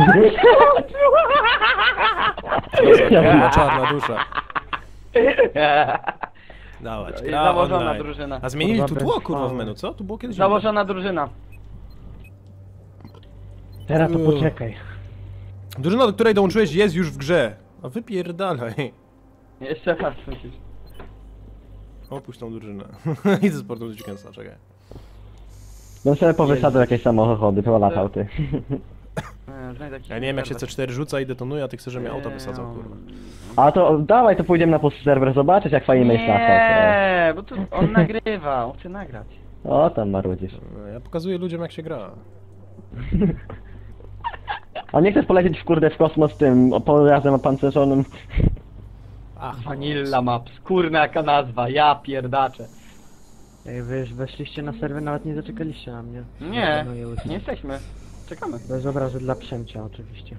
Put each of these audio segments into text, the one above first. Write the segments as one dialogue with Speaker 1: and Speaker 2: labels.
Speaker 1: Kurwa, czarna dusza. Dawać, gra
Speaker 2: Założona
Speaker 1: online.
Speaker 2: drużyna.
Speaker 1: A zmienili tu tło, kurwa, w menu, co? Tu było kiedyś...
Speaker 2: Założona drużyna.
Speaker 3: Teraz to poczekaj.
Speaker 1: Drużyna, do której dołączyłeś, jest już w grze. A wypierdalaj.
Speaker 2: Jeszcze raz musisz.
Speaker 1: Opuść tą drużynę. Idę z portu do Chickensa, czekaj.
Speaker 3: Bym sobie powysadzał jakieś samochody, polatał ty.
Speaker 2: Znajdę jakiś
Speaker 1: Ja nie wiem, jak się
Speaker 2: serwer.
Speaker 1: C4 rzuca i detonuje, a ty chcesz, żebym ja auto wysadzał, kurwa.
Speaker 3: A to dawaj, to pójdziemy na pusty serwer zobaczyć, jak fajnie miejsca.
Speaker 2: Nie, bo tu on nagrywa, on chce nagrać.
Speaker 3: O, tam marudzisz.
Speaker 1: Ja pokazuję ludziom, jak się gra.
Speaker 3: A nie chcesz polecieć w kurde w kosmos tym pojazdem opancerzonym?
Speaker 1: Ach,
Speaker 2: Vanilla Maps, kurna jaka nazwa, ja pierdaczę.
Speaker 4: Ej, wy już weszliście na serwer, nawet nie zaczekaliście na mnie.
Speaker 2: Nie,
Speaker 4: No, już.
Speaker 2: nie jesteśmy. Czekamy.
Speaker 4: Bez obrazy dla Przemcia oczywiście.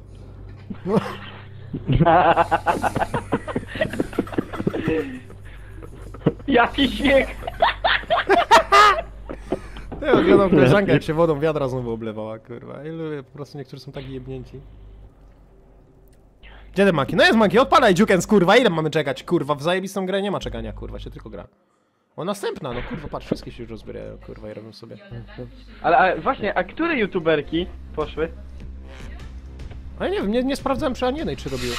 Speaker 2: Jaki śmiech!
Speaker 1: Ja oglądam koleżankę, jak się wodą wiadra znowu oblewała, kurwa. I lubię, po prostu niektórzy są taki jebnięci. Gdzie ten Maki? No jest Maki, odpalaj Jukens, kurwa, ile mamy czekać, kurwa, w zajebistą grę nie ma czekania, kurwa, się tylko gra. O, następna, no kurwa, patrz, wszystkie się już rozbierają, kurwa, i robią sobie.
Speaker 2: Ale właśnie, a które youtuberki poszły?
Speaker 1: Ale nie wiem, nie sprawdzałem przy ani jednej, czy robiły.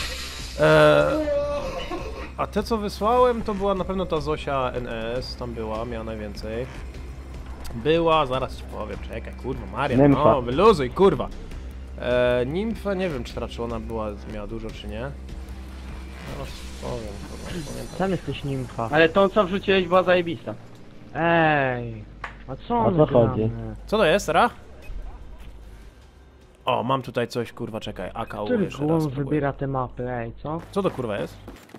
Speaker 1: A te, co wysłałem, to była na pewno ta Zosia NS, tam była, miała najwięcej. Była, zaraz ci powiem, czekaj, kurwa, Maria,
Speaker 3: Nymfa.
Speaker 1: no, wyluzuj, kurwa. Nimfa, nie wiem, czy ona była, miała dużo, czy nie. Zaraz powiem, kurwa, pamiętam.
Speaker 4: Sam jesteś nimfa.
Speaker 2: Ale tą co wrzuciłeś była zajebista.
Speaker 4: Ej! A co
Speaker 3: O
Speaker 4: on
Speaker 3: co
Speaker 4: gramy?
Speaker 3: chodzi?
Speaker 1: Co to jest, Ra? O, mam tutaj coś, kurwa, czekaj, AKU
Speaker 4: Który
Speaker 1: jeszcze raz
Speaker 4: głąb
Speaker 1: spróbuję.
Speaker 4: wybiera te mapy, ej, co?
Speaker 1: Co to, kurwa, jest?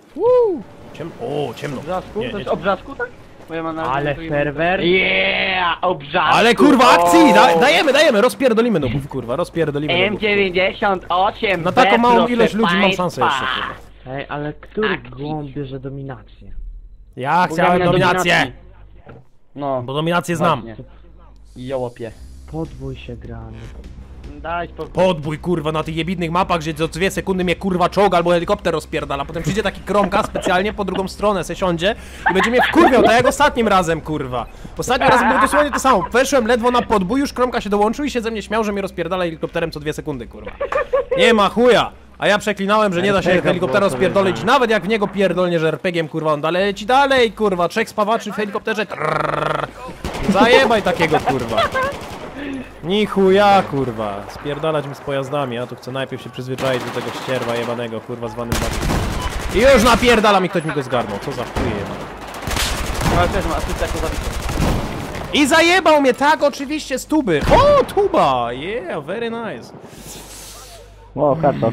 Speaker 1: O, ciemno.
Speaker 2: Obrzasku?
Speaker 1: Nie,
Speaker 2: To
Speaker 1: nie,
Speaker 2: jest obrzasku, tak? Bo ja mam na
Speaker 4: Ale
Speaker 2: tu
Speaker 4: serwer?
Speaker 2: Yeah, obrzasku!
Speaker 1: Ale kurwa akcji!
Speaker 2: O!
Speaker 1: Dajemy, rozpierdolimy nubów, kurwa, rozpierdolimy nubów.
Speaker 2: M98
Speaker 1: Na taką małą
Speaker 2: proszę
Speaker 1: ilość ludzi mam
Speaker 2: państwa.
Speaker 1: szansę jeszcze, kurwa.
Speaker 4: Ej, ale który
Speaker 2: Akcji.
Speaker 4: głąb bierze dominację?
Speaker 1: Ja
Speaker 2: Bo
Speaker 1: chciałem
Speaker 2: gra na
Speaker 1: dominację!
Speaker 2: dominacji. No,
Speaker 1: Bo dominację znam.
Speaker 2: właśnie. Jołopie.
Speaker 4: Podbój się grany.
Speaker 2: Daj spokój.
Speaker 1: Podbój, kurwa, na tych jebidnych mapach, gdzie co 2 sekundy mnie kurwa czołg albo helikopter rozpierdala. Potem przyjdzie taki kromka specjalnie po drugą stronę, se siądzie i będzie mnie wkurwiał, tak jak ostatnim razem, kurwa. Ostatnim razem było dosłownie to samo. Weszłem ledwo na podbój, już kromka się dołączył i się ze mnie śmiał, że mnie rozpierdala helikopterem co 2 sekundy, kurwa. Nie ma chuja! A ja przeklinałem, że nie da się helikoptera rozpierdolić, nawet jak w niego pierdolnie, że RPG-iem, kurwa, on dalej leci dalej, kurwa, 3 spawaczy w helikopterze. Trrr. Zajebaj takiego, kurwa. Ni chuja, kurwa. Spierdalać mi z pojazdami, ja tu chcę najpierw się przyzwyczaić do tego ścierwa jebanego, kurwa, zwanym batem. I już napierdala mi, ktoś mi go zgarnął, co za chuje jebane.
Speaker 2: Ale też ma asystę jako zabity.
Speaker 1: I zajebał mnie, tak, oczywiście, z tuby. O, tuba, yeah, very nice.
Speaker 3: O, karto.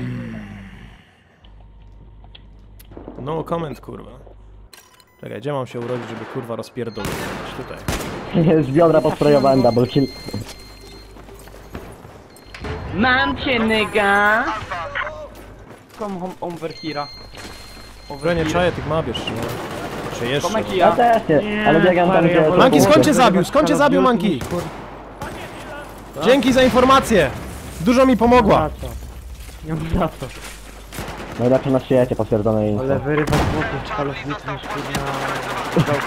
Speaker 1: No comment, kurwa. Czekaj, gdzie mam się urodzić, żeby kurwa rozpierdolić? Tutaj.
Speaker 3: Z biodra posprojowałem double kill.
Speaker 2: Mam cię, nigga! Come home over here.
Speaker 1: Że nie czaję tych map jeszcze, no. Czy jeszcze?
Speaker 2: Komeki
Speaker 3: Ja
Speaker 2: ja.
Speaker 3: też nie, ale biegam tam gdzie...
Speaker 1: Manki, skąd cię zabił? Skąd cię zabił, Manki? Dzięki za informację! Dużo mi pomogła.
Speaker 4: Za co? Nie mam za co.
Speaker 3: Najlepsze na świecie, potwierdzone info.
Speaker 4: Ale wyrywa złotych z Call of Duty niż kurna...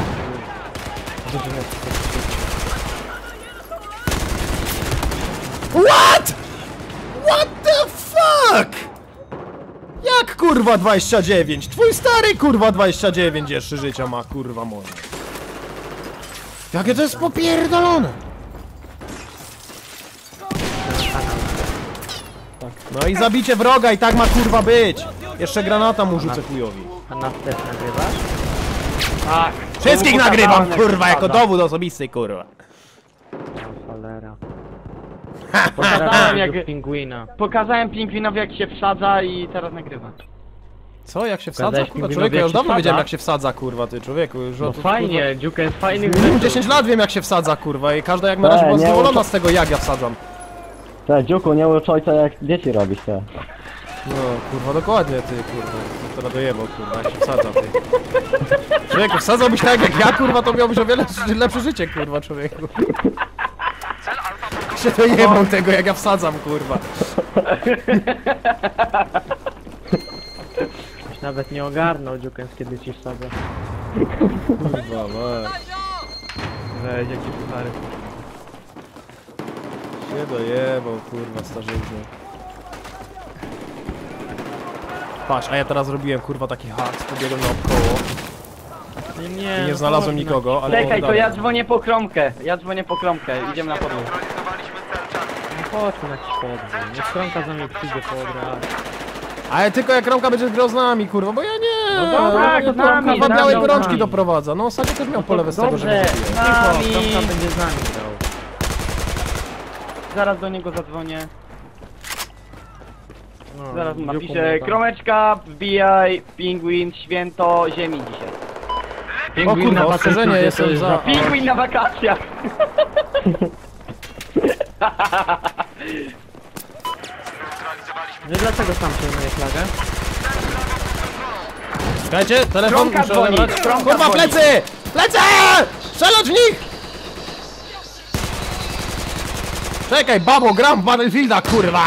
Speaker 1: What? What the fuck? Jak kurwa 29? Twój stary kurwa 29 jeszcze życia ma, kurwa moje. Jakie to jest popierdolone? No i zabicie wroga i tak ma kurwa być. Jeszcze granata mu rzucę chujowi.
Speaker 4: A nas też nagrywasz?
Speaker 2: Tak.
Speaker 1: Wszystkich
Speaker 2: To
Speaker 1: nagrywam
Speaker 2: pokazane,
Speaker 1: kurwa jako
Speaker 2: wpada.
Speaker 1: dowód osobisty kurwa.
Speaker 4: O, cholera.
Speaker 2: Pokazałem, jak...
Speaker 4: Pingwina.
Speaker 2: Pokazałem pingwinowi jak się wsadza i teraz nagrywa.
Speaker 1: Co, jak się wsadza?
Speaker 4: Gadałeś
Speaker 1: Kurwa,
Speaker 4: pingwinowi,
Speaker 1: człowieku, ja
Speaker 4: jak
Speaker 1: już
Speaker 4: się
Speaker 1: dawno
Speaker 4: wsadza?
Speaker 1: wiedziałem jak się wsadza, kurwa, ty człowieku, już
Speaker 4: No
Speaker 1: od,
Speaker 4: fajnie, Dziuka jest fajny
Speaker 1: kurwa, 10 lat wiem jak się wsadza, kurwa, i każda jak na razie była
Speaker 3: nie,
Speaker 1: zadowolona
Speaker 3: to-
Speaker 1: z tego jak ja wsadzam.
Speaker 3: Te, dziuku, nie ucz ojca jak dzieci robisz, te.
Speaker 1: No, kurwa, dokładnie, ty, kurwa, to dojebał, kurwa, jak się wsadza, ty. Człowieku, wsadzałbyś tak jak ja, kurwa, to miałbyś o wiele lepsze życie, kurwa, człowieku. się dojebał tego, jak ja wsadzam, kurwa.
Speaker 4: Już nawet nie ogarnął Dziukens, kiedy ci wsadzę.
Speaker 1: Kurwa, weź.
Speaker 2: Weź, jaki puchary.
Speaker 1: Się dojebał, kurwa, starzyzny. Patrz, a ja teraz zrobiłem, kurwa, taki hak, pobiegłem naokoło
Speaker 4: Nie,
Speaker 1: i nie znalazłem nikogo, ale...
Speaker 2: Czekaj, to
Speaker 1: dalej.
Speaker 2: ja dzwonię po kromkę. Idziemy na podwórko.
Speaker 4: No chodźmy na jakiś podwór. Niech Kromka za mnie przyjdzie po odreagę.
Speaker 1: Ale tylko jak Kromka będzie grał z nami, kurwa, bo ja nie!
Speaker 2: No dobra,
Speaker 1: to
Speaker 2: z nami,
Speaker 1: Kromka
Speaker 2: z
Speaker 1: białej
Speaker 2: nami.
Speaker 1: gorączki doprowadza. No, ostatnio też miał polewę z tego, że
Speaker 2: dobrze.
Speaker 1: mnie zabije.
Speaker 2: Z nami.
Speaker 4: Cicho, Kromka będzie z nami grał.
Speaker 2: Zaraz do niego zadzwonię.
Speaker 4: No,
Speaker 2: Zaraz mu
Speaker 4: Dziuku
Speaker 2: napiszę.
Speaker 4: mnie tam-
Speaker 2: Kromeczka, wbijaj, pingwin, święto ziemi dzisiaj.
Speaker 1: O
Speaker 4: Pingwin
Speaker 1: kurwa,
Speaker 4: na
Speaker 1: ostrzeżenie,
Speaker 4: wakacjach
Speaker 1: jestem
Speaker 4: to jest
Speaker 1: za...
Speaker 2: Pingwin na wakacjach!
Speaker 4: No i dlaczego sam przejmuje flagę?
Speaker 1: Czekajcie, telefon
Speaker 2: Kromka
Speaker 1: muszę
Speaker 2: dzwoni,
Speaker 1: odebrać.
Speaker 2: Kromka
Speaker 1: Kurwa,
Speaker 2: dzwoni.
Speaker 1: plecy! Plecy! Strzelać w nich! Czekaj, babo, gram w Battlefielda, kurwa!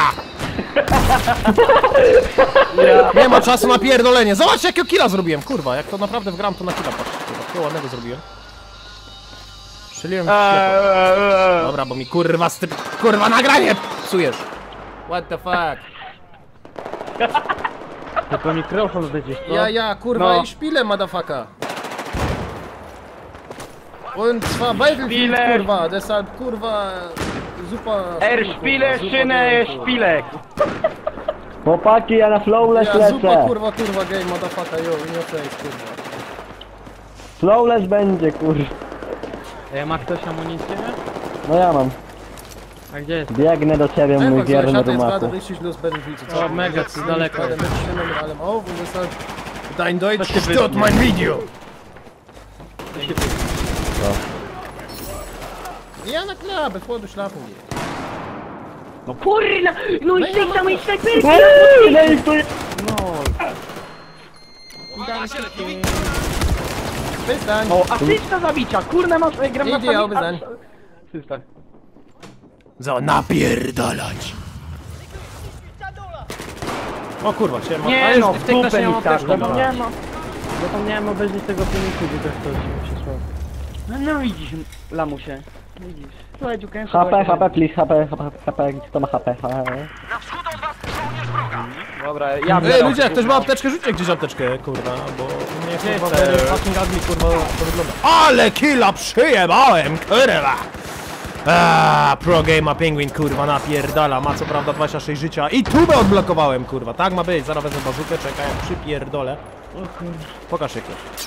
Speaker 1: Nie ma czasu na pierdolenie. Zobacz, jakiego killa zrobiłem, kurwa. Jak to naprawdę wgram, to na killa patrz. Kurwa, takiego ładnego zrobiłem. Strzeliłem w ślepo. Dobra, bo mi kurwa z tym... Kurwa, nagranie psujesz. What the fuck?
Speaker 4: Tylko mikrofon będziesz, co?
Speaker 1: Ja, kurwa,
Speaker 2: No.
Speaker 1: i szpilę, motherfucker. Und zwar Battlefield,
Speaker 2: Szpile.
Speaker 1: kurwa, deshalb, kurwa, zupa...
Speaker 2: Szpile,
Speaker 1: zupa,
Speaker 2: szynę,
Speaker 1: kurwa.
Speaker 2: szpilek!
Speaker 3: Chłopaki, ja na flowless
Speaker 1: Ja, zupa,
Speaker 3: lecę.
Speaker 1: kurwa, game, motherfucker, yo, nie face, kurwa.
Speaker 3: Flowless będzie, kurwa.
Speaker 4: Ma ktoś amunicję?
Speaker 3: No ja mam.
Speaker 4: A gdzie jest?
Speaker 3: Biegnę do ciebie, mój wierny rumaku.
Speaker 4: O, mega, tu daleko jest.
Speaker 1: Dein Deutsch
Speaker 2: To się
Speaker 1: stört
Speaker 2: wytnie.
Speaker 1: mein Video. Ja, na klar, bevor du schlafen gehst.
Speaker 2: No kurna! No i tej samej snajperki!
Speaker 3: No i tu...
Speaker 1: Bis dann.
Speaker 2: O, asysta zabicia! Kurna, masz, gram na
Speaker 1: Ideal,
Speaker 2: sami...
Speaker 1: wyzań.
Speaker 2: Asysta.
Speaker 1: So, napierdalać. O kurwa, się
Speaker 2: Nie no, w
Speaker 1: tej klasie
Speaker 2: dupę
Speaker 1: nie
Speaker 2: mi
Speaker 1: mam
Speaker 2: tak,
Speaker 1: apteczki.
Speaker 4: Zapomniałem obejrzeć tego filmiku, gdzie ktoś mi przysłał.
Speaker 2: No widzisz, lamusie. Widzisz. Słuchaj, dziukę,
Speaker 3: HP, HP, please, HP, kto ma HP?
Speaker 2: Dobra, ja
Speaker 1: Ej, ludzie, jak ktoś ma apteczkę, rzućcie gdzieś apteczkę, kurwa, bo nie jest kurwa
Speaker 2: Gdzie
Speaker 1: very
Speaker 2: chcesz?
Speaker 1: fucking ugly, kurwa, to wygląda. Ale killa przyjebałem, kurwa! Pro Gamer Penguin, kurwa, napierdala, ma co prawda 26 życia i tubę odblokowałem, kurwa, tak ma być, zaraz wezmę bazukę, czekaj, jak przypierdolę. Pokaż się ktoś.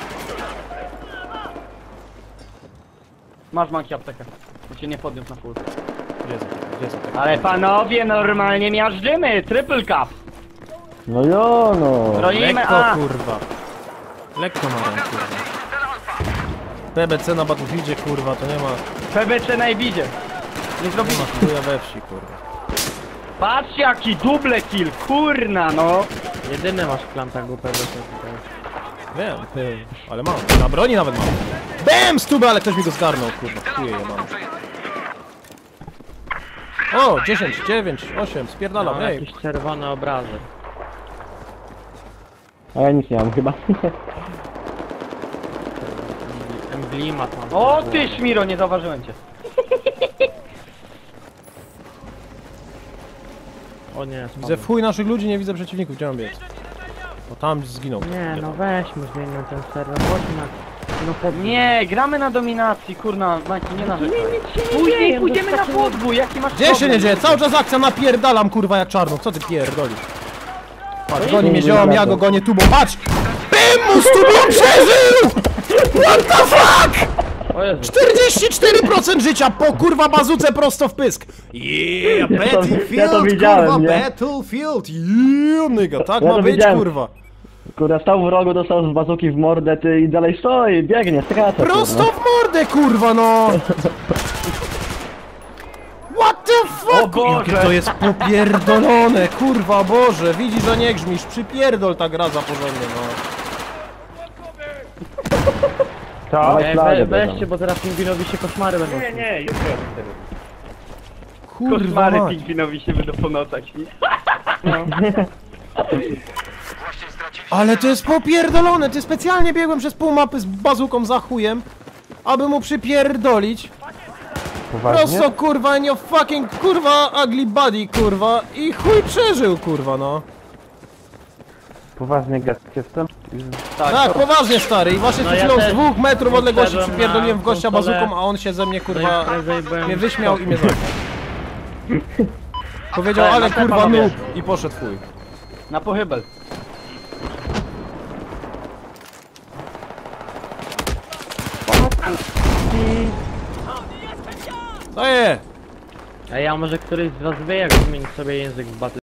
Speaker 2: Masz manki aptekę. Bo cię nie podniósł na full.
Speaker 1: Gdzie są te?
Speaker 2: Ale panowie, normalnie miażdżymy! Triple cup!
Speaker 3: No jo, no.
Speaker 2: Bronimy
Speaker 1: Lekko,
Speaker 2: A!
Speaker 1: kurwa. Lekko ma rękę, kurwa. TBC na Battlefieldzie, kurwa, to nie ma,
Speaker 2: PBC na Ibizie. Nie
Speaker 1: nie
Speaker 2: zrobili.
Speaker 1: ma chuja we wsi, kurwa.
Speaker 2: Patrz jaki double kill, kurna no!
Speaker 4: Jedyny masz w plantach głupego tutaj.
Speaker 1: Wiem, ale mam. Na broni nawet mam. BAM! Stubę, ale ktoś mi go zgarnął, kurwa. Chuje je mam. O! 10, 9, 8, spierdalam,
Speaker 4: No,
Speaker 1: ej.
Speaker 4: jakiś czerwony obrazek.
Speaker 3: A ja nic nie mam chyba.
Speaker 4: Emblimat mam.
Speaker 2: O ty Szmiro, nie zauważyłem cię.
Speaker 4: O nie,
Speaker 1: Widzę
Speaker 4: spadłem.
Speaker 1: w chuj naszych ludzi, nie widzę przeciwników, gdzie mam biec. Bo tam zginął.
Speaker 4: Nie, no weźmy, zmieńmy ten serwer, chodźmy na... No pod...
Speaker 2: Nie, gramy na dominacji, kurna, Majki, nie narzekaj. Później pójdziemy na podwój, jaki masz
Speaker 1: Gdzie się
Speaker 2: problem?
Speaker 1: nie dzieje? Cały czas akcja, napierdalam, kurwa, jak czarno. Co ty pierdolisz? Patrz, goni mnie
Speaker 3: nie
Speaker 1: ziom, ja
Speaker 3: jadę.
Speaker 1: go gonię tubą, patrz! Bym mu z tubą przeżył! What the fuck!
Speaker 4: O Jezu.
Speaker 1: 44% życia po kurwa bazuce prosto w pysk! Yeah, Battlefield,
Speaker 3: ja to widziałem,
Speaker 1: kurwa,
Speaker 3: nie?
Speaker 1: Battlefield, yeah, nigga, tak
Speaker 3: Ja
Speaker 1: ma
Speaker 3: to
Speaker 1: być,
Speaker 3: widziałem.
Speaker 1: kurwa.
Speaker 3: Kurde, stał w rogu, dostał z bazuki w mordę, ty i dalej stoi, biegnie, skacze.
Speaker 1: Prosto
Speaker 3: kurwa.
Speaker 1: w mordę, kurwa, no! What the fuck?
Speaker 2: O Boże!
Speaker 1: Jakie to jest popierdolone, kurwa, Boże, widzisz, że nie grzmisz, przypierdol ta gra za porządnie, no.
Speaker 3: Dawaj
Speaker 4: Ej,
Speaker 3: flagę,
Speaker 4: weźcie,
Speaker 3: bierzemy.
Speaker 4: bo zaraz pingwinowi się koszmary będą.
Speaker 2: Nie, jutro.
Speaker 1: Kurwa
Speaker 2: Koszmary
Speaker 1: mać.
Speaker 2: pingwinowi się będą po nocach śnić.
Speaker 1: Ale to jest popierdolone, ty specjalnie biegłem przez pół mapy z bazuką za chujem, aby mu przypierdolić.
Speaker 3: Poważnie?
Speaker 1: Prosto kurwa, in your fucking kurwa ugly body kurwa i chuj przeżył kurwa no.
Speaker 3: Poważnie gad jestem?
Speaker 1: Tak, poważnie stary i właśnie
Speaker 4: No
Speaker 1: przed
Speaker 4: ja
Speaker 1: chwilą z
Speaker 4: też
Speaker 1: 2 metrów odległości
Speaker 4: wszedłem
Speaker 1: przypierdoliłem
Speaker 4: na
Speaker 1: w gościa
Speaker 4: konsolę.
Speaker 1: bazuką, a on się ze mnie
Speaker 4: No
Speaker 1: kurwa
Speaker 4: i imprezę i byłem
Speaker 1: mnie
Speaker 4: w
Speaker 1: wyśmiał
Speaker 4: szoku.
Speaker 1: i mnie zabił. Powiedział,
Speaker 2: Ale
Speaker 1: ale
Speaker 2: na
Speaker 1: kurwa
Speaker 2: panowie.
Speaker 1: noob i poszedł chuj.
Speaker 2: Na pochybel.
Speaker 1: To je!
Speaker 4: A ja może któryś z was wie jak zmienić sobie język w Battle